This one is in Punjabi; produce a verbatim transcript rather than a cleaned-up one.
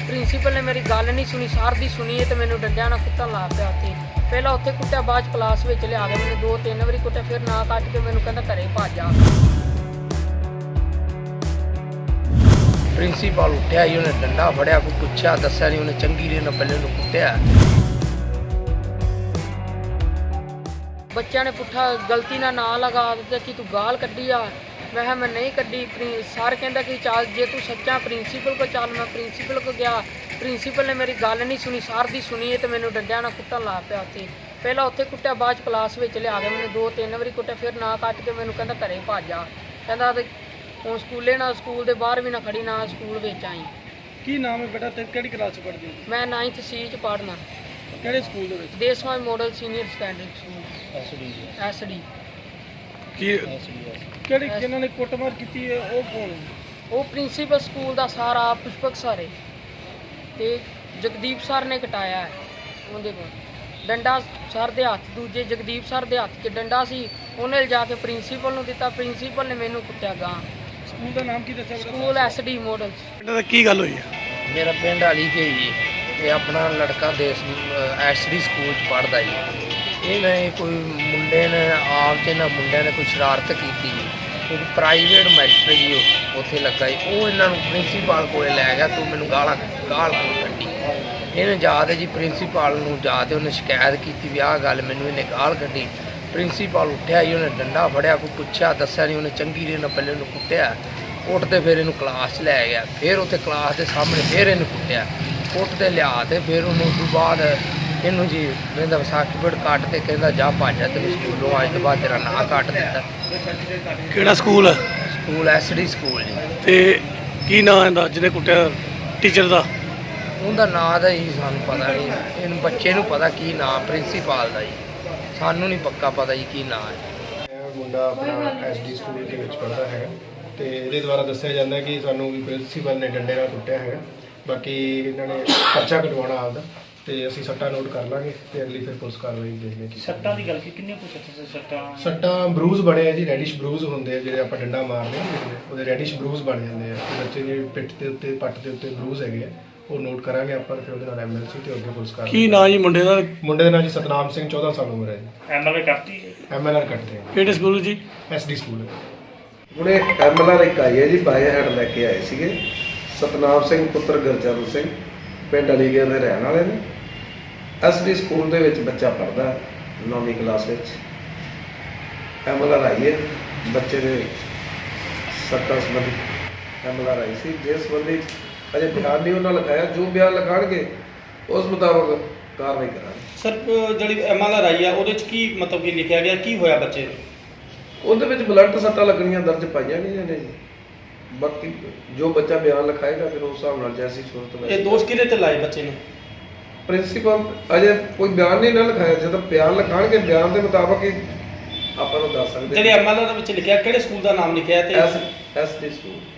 ਪ੍ਰਿੰਸੀਪਲ ਨੇ ਮੇਰੀ ਗੱਲ ਨਹੀਂ ਸੁਣੀ, ਸਰ ਦੀ ਸੁਣੀ ਤੇ ਮੈਨੂੰ ਡੰਡਿਆਂ ਨਾਲ ਕੁੱਟਣ ਲਾ ਪਿਆ ਉੱਥੇ। ਪਹਿਲਾਂ ਉੱਥੇ ਕੁੱਟਿਆ, ਬਾਅਦ 'ਚ ਕਲਾਸ ਵਿੱਚ ਲਿਆ ਕੇ ਮੈਨੂੰ ਦੋ ਤਿੰਨ ਵਾਰੀ ਕੁੱਟਿਆ, ਫਿਰ ਨਾ ਕੱਟ ਕੇ ਮੈਨੂੰ ਕਹਿੰਦਾ ਘਰੇ ਭੱਜ ਜਾ। ਪ੍ਰਿੰਸੀਪਲ ਉੱਠਿਆ ਹੀ, ਉਹਨੇ ਡੰਡਾ ਫੜਿਆ, ਕੋਈ ਪੁੱਛਿਆ ਦੱਸਿਆ ਨਹੀਂ, ਉਹਨੇ ਚੰਗੀ ਰੇ ਨਾਲ ਪਹਿਲੇ ਉਹਨੂੰ ਕੁੱਟਿਆ। ਬੱਚਿਆਂ ਨੇ ਪੁੱਠਾ ਗਲਤੀ ਨਾਲ ਨਾਂ ਲਗਾ ਦਿੱਤਾ ਕਿ ਤੂੰ ਗਾਲ ਕੱਢੀ ਆ। ਮੈਂ ਕਿਹਾ ਮੈਂ ਨਹੀਂ ਕੱਢੀ। ਸਰ ਕਹਿੰਦਾ ਕਿ ਚੱਲ ਜੇ ਤੂੰ ਸੱਚਾ ਪ੍ਰਿੰਸੀਪਲ ਕੋਲ ਚੱਲ। ਮੈਂ ਪ੍ਰਿੰਸੀਪਲ ਕੋਲ ਗਿਆ, ਪ੍ਰਿੰਸੀਪਲ ਨੇ ਮੇਰੀ ਗੱਲ ਨਹੀਂ ਸੁਣੀ, ਸਰ ਦੀ ਸੁਣੀ ਤੇ ਮੈਨੂੰ ਡੰਡਿਆਂ ਨਾਲ ਕੁੱਟਣ ਲਾ ਪਿਆ ਉੱਥੇ। ਪਹਿਲਾਂ ਉੱਥੇ ਕੁੱਟਿਆ, ਬਾਅਦ 'ਚ ਕਲਾਸ ਵਿੱਚ ਲਿਆ ਕੇ ਮੈਨੂੰ ਦੋ ਤਿੰਨ ਵਾਰੀ ਕੁੱਟਿਆ, ਫਿਰ ਨਾ ਕੱਟ ਕੇ ਮੈਨੂੰ ਕਹਿੰਦਾ ਘਰੇ ਭੱਜ ਜਾ। ਕਹਿੰਦਾ ਤੇ ਹੁਣ ਸਕੂਲੇ ਨਾ ਸਕੂਲ ਦੇ ਬਾਹਰ ਵੀ ਨਾ ਖੜੀ, ਨਾ ਸਕੂਲ ਵਿੱਚ ਆਈ। ਕੀ ਨਾਮ ਹੈ ਬੇਟਾ ਤੇ ਕਿਹੜੀ ਕਲਾਸ ਚ ਪੜ੍ਹਦੇ ਹੋ? ਮੈਂ ਨਾਈਨਥ ਸੀ 'ਚ ਪੜ੍ਹਨਾ, ਕਿਹੜੇ ਸਕੂਲ ਦੇ ਵਿੱਚ? Deswal model senior secondary school SD. SD. ਕੀ ਕਿਹੜੀ ਜਿਨ੍ਹਾਂ ਨੇ ਕੁੱਟਮਾਰ ਕੀਤੀ ਹੈ ਉਹ ਕੌਣ ਹੈ? ਉਹ ਪ੍ਰਿੰਸੀਪਲ ਸਕੂਲ ਦਾ ਸਾਰਾ ਪੁਸ਼ਪਕ ਸਰ ਹੈ ਤੇ ਜਗਦੀਪ ਸਰ ਨੇ ਕਟਾਇਆ ਹੈ ਉਹਦੇ ਕੋਲ ਡੰਡਾ। ਸਰ ਦੇ ਹੱਥ, ਦੂਜੇ ਜਗਦੀਪ ਸਰ ਦੇ ਹੱਥ 'ਚ ਡੰਡਾ ਸੀ, ਉਹਨੇ ਲਿਜਾ ਕੇ ਪ੍ਰਿੰਸੀਪਲ ਨੂੰ ਦਿੱਤਾ, ਪ੍ਰਿੰਸੀਪਲ ਨੇ ਮੈਨੂੰ ਕੁੱਟਿਆ ਗਾਂ। ਸਕੂਲ ਦਾ ਨਾਮ ਕੀ ਦੱਸਿਆ ਬੇਟਾ? School SD model. ਬੇਟਾ ਦਾ ਕੀ ਗੱਲ ਹੋਈ ਹੈ? ਮੇਰਾ ਪਿੰਡ ਵਾਲੀ ਕੇ ਜੀ, ਇਹ ਆਪਣਾ ਲੜਕਾ ਦੇਸ ਐਸਡੀ ਸਕੂਲ 'ਚ ਪੜ੍ਹਦਾ ਜੀ। ਇਹਨੇ ਕੋਈ ਮੁੰਡੇ ਨੇ ਆਪ 'ਚ ਇਹਨਾਂ ਮੁੰਡਿਆਂ ਨੇ ਕੋਈ ਸ਼ਰਾਰਤ ਕੀਤੀ ਜੀ। ਇੱਕ ਪ੍ਰਾਈਵੇਟ ਮਾਸਟਰ ਜੀ ਉਹ ਉੱਥੇ ਲੱਗਾ ਜੀ, ਉਹ ਇਹਨਾਂ ਨੂੰ ਪ੍ਰਿੰਸੀਪਲ ਕੋਲੇ ਲੈ ਗਿਆ, ਤੂੰ ਮੈਨੂੰ ਗਾਲਾਂ ਗਾਲ ਕੋਲ ਕੱਢੀ। ਇਹਨੇ ਜਾ ਕੇ ਜੀ ਪ੍ਰਿੰਸੀਪਲ ਨੂੰ ਜਾ ਕੇ ਉਹਨੇ ਸ਼ਿਕਾਇਤ ਕੀਤੀ ਵੀ ਆਹ ਗੱਲ ਮੈਨੂੰ ਇਹਨੇ ਗਾਲ ਕੱਢੀ। ਪ੍ਰਿੰਸੀਪਲ ਉੱਠਿਆ ਜੀ, ਉਹਨੇ ਡੰਡਾ ਫੜਿਆ, ਕੋਈ ਪੁੱਛਿਆ ਦੱਸਿਆ ਨਹੀਂ, ਉਹਨੇ ਚੰਗੀ ਰੇ ਨਾਲ ਪਹਿਲੇ ਉਹਨੂੰ ਕੁੱਟਿਆ। ਉੱਠਦੇ ਫਿਰ ਇਹਨੂੰ ਕਲਾਸ 'ਚ ਲੈ ਗਿਆ, ਫਿਰ ਉੱਥੇ ਕਲਾਸ ਦੇ ਸਾਹਮਣੇ ਫਿਰ ਇਹਨੂੰ ਕੁੱਟਿਆ। ਉੱਠਦੇ ਲਿਆ ਤੇ ਫਿਰ ਉਹਨੂੰ ਉਸ ਤੋਂ ਬਾਅਦ ਇਹਨੂੰ ਜੀ ਕਹਿੰਦਾ ਸਰਟੀਫਿਕੇਟ ਕੱਟ ਤੇ ਕਹਿੰਦਾ ਜਾ ਭੱਜ ਜਾ, ਤੈਨੂੰ ਸਕੂਲੋਂ ਅੱਜ ਤੋਂ ਬਾਅਦ ਤੇਰਾ ਨਾਂ ਕੱਟ ਦਿੱਤਾ। ਕਿਹੜਾ ਸਕੂਲ ਹੈ? ਸਕੂਲ ਐਸਡੀ ਸਕੂਲ ਜੀ। ਤੇ ਕੀ ਨਾਂ ਇਹਦਾ ਜਿਹਨੇ ਕੁੱਟਿਆ ਟੀਚਰ ਦਾ? ਉਹਦਾ ਨਾਂ ਦਾ ਜੀ ਸਾਨੂੰ ਪਤਾ ਨਹੀਂ, ਇਹਨੂੰ ਬੱਚੇ ਨੂੰ ਪਤਾ ਕੀ ਨਾਂ ਪ੍ਰਿੰਸੀਪਲ ਦਾ ਜੀ, ਸਾਨੂੰ ਨਹੀਂ ਪੱਕਾ ਪਤਾ ਜੀ ਕੀ ਨਾਂ ਹੈ। ਇਹ ਮੁੰਡਾ ਆਪਣਾ ਐਸਡੀ ਸਕੂਲ ਦੇ ਵਿੱਚ ਪੜ੍ਹਦਾ ਹੈਗਾ ਤੇ ਇਹਦੇ ਦੁਆਰਾ ਦੱਸਿਆ ਜਾਂਦਾ ਕਿ ਸਾਨੂੰ ਵੀ ਪ੍ਰਿੰਸੀਪਲ ਨੇ ਡੰਡੇ ਨਾਲ ਕੁੱਟਿਆ ਹੈਗਾ। ਬਾਕੀ ਇਹਨਾਂ ਨੇ ਪਰਚਾ ਕਟਵਾਉਣਾ ਆਪਦਾ ਤੇ ਅਸੀਂ ਸੱਟਾਂ ਨੋਟ ਕਰ ਲਾਂਗੇ ਤੇ ਅਗਲੀ ਫਿਰ ਪੁਲਿਸ ਕਾਰਵਾਈ ਦੇਖਦੇ ਹਾਂ। ਸੱਟਾਂ ਦੀ ਗੱਲ ਕੀ ਕਿੰਨੇ ਕੁ ਸੱਟਾਂ ਸੱਟਾਂ ਸੱਟਾਂ ਬਰੂਜ਼ ਬਣੇ ਆ ਜੀ, ਰੈਡਿਸ਼ ਬਰੂਜ਼ ਹੁੰਦੇ ਆ ਜਿਹੜੇ ਆਪਾਂ ਡੰਡਾ ਮਾਰਦੇ ਹਾਂ ਉਹਦੇ ਰੈਡਿਸ਼ ਬਰੂਜ਼ ਬਣ ਜਾਂਦੇ ਆ। ਤੇ ਬੱਚੇ ਦੀ ਪਿੱਠ ਦੇ ਉੱਤੇ ਪੱਟ ਦੇ ਉੱਤੇ ਬਰੂਜ਼ ਹੈਗੇ ਆ, ਉਹ ਨੋਟ ਕਰਾਂਗੇ ਆਪਾਂ, ਫਿਰ ਉਹਦੇ ਨਾਲ ਐਮਐਲਸੀ ਤੇ ਅੱਗੇ ਪੁਲਿਸ ਕਾਰਵਾਈ। ਕੀ ਨਾਂ ਜੀ ਮੁੰਡੇ ਦਾ? ਮੁੰਡੇ ਦਾ ਨਾਂ ਜੀ ਸਤਨਾਮ ਸਿੰਘ, ਚੌਦਾਂ ਸਾਲ ਉਮਰ ਹੈ ਜੀ। ਐਮਐਲਏ ਕਰਤੀ ਐਮਐਲਆਰ ਕੱਟਦੇ ਆ। ਕਿਹੜੇ ਸਕੂਲ ਜੀ? ਐਸਡੀ ਸਕੂਲ ਹੈ। ਹੁਣੇ ਐਮਐਲਆਰ ਇੱਕ ਆਈ ਹੈ ਜੀ, ਬਾਏ ਹੈਂਡ ਲੈ ਕੇ ਆਏ ਸੀਗੇ। ਸਤਨਾਮ ਸਿੰਘ ਪੁੱਤਰ ਗੁਰਚਰਨ ਸਿੰਘ, ਪਿੰਡ ਅਲੀਗੜ੍ਹ ਦੇ ਰਹਿਣ ਵਾਲੇ ਨੇ। ਐਸਡੀ ਸਕੂਲ ਦੇ ਵਿੱਚ ਬੱਚਾ ਪੜ੍ਹਦਾ ਨੌਵੀਂ ਕਲਾਸ ਵਿੱਚ। ਐਮਐਲਆਰ ਆਈ ਹੈ ਬੱਚੇ ਦੇ ਸੱਟਾਂ ਸੰਬੰਧੀ ਐਮਐਲਆਰ ਆਈ ਸੀ, ਜਿਸ ਸੰਬੰਧੀ ਅਜੇ ਬਿਆਨ ਨਹੀਂ ਉਹਨਾਂ ਲਿਖਾਇਆ। ਜੋ ਬਿਆਨ ਲਿਖਾਉਣਗੇ ਉਸ ਮੁਤਾਬਕ ਕਾਰਵਾਈ ਕਰਾਂਗੇ। ਸਰ ਜਿਹੜੀ ਐਮਐਲਆਰ ਆਈ ਆ ਉਹਦੇ ਚ ਕੀ ਮਤਲਬ ਕੀ ਲਿਖਿਆ ਗਿਆ, ਕੀ ਹੋਇਆ ਬੱਚੇ ਨੂੰ? ਉਹਦੇ ਵਿੱਚ ਬਲੱਡ ਸੱਟਾਂ ਲੱਗਣੀਆਂ ਦਰਜ ਪਾਈਆਂ ਗਈਆਂ ਨੇ ਜੀ। ਬਾਕੀ ਜੋ ਬੱਚਾ ਬਿਆਨ ਲਿਖਾਏਗਾ ਫਿਰ ਉਸ ਹਿਸਾਬ ਨਾਲ ਜੈਸੀ ਸੂਰਤ ਵਿੱਚ। ਇਹ ਦੋਸ਼ ਕਿਹਦੇ ਤੇ ਲਾਏ ਬੱਚੇ ਨੇ? ਪ੍ਰਿੰਸੀਪਲ ਅਜੇ ਕੋਈ ਬਿਆਨ ਨਹੀਂ ਨਾ ਲਿਖਾਇਆ, ਜਦੋਂ ਬਿਆਨ ਲਿਖਾਣਗੇ ਬਿਆਨ ਦੇ ਮੁਤਾਬਕ ਹੀ ਆਪਾਂ ਨੂੰ ਦੱਸ ਸਕਦੇ। ਜਿਹੜੇ ਐਮਐਲਆਰ ਦੇ ਵਿੱਚ ਲਿਖਿਆ ਕਿਹੜੇ ਸਕੂਲ ਦਾ ਨਾਮ ਲਿਖਿਆ ਤੇ? S S D school.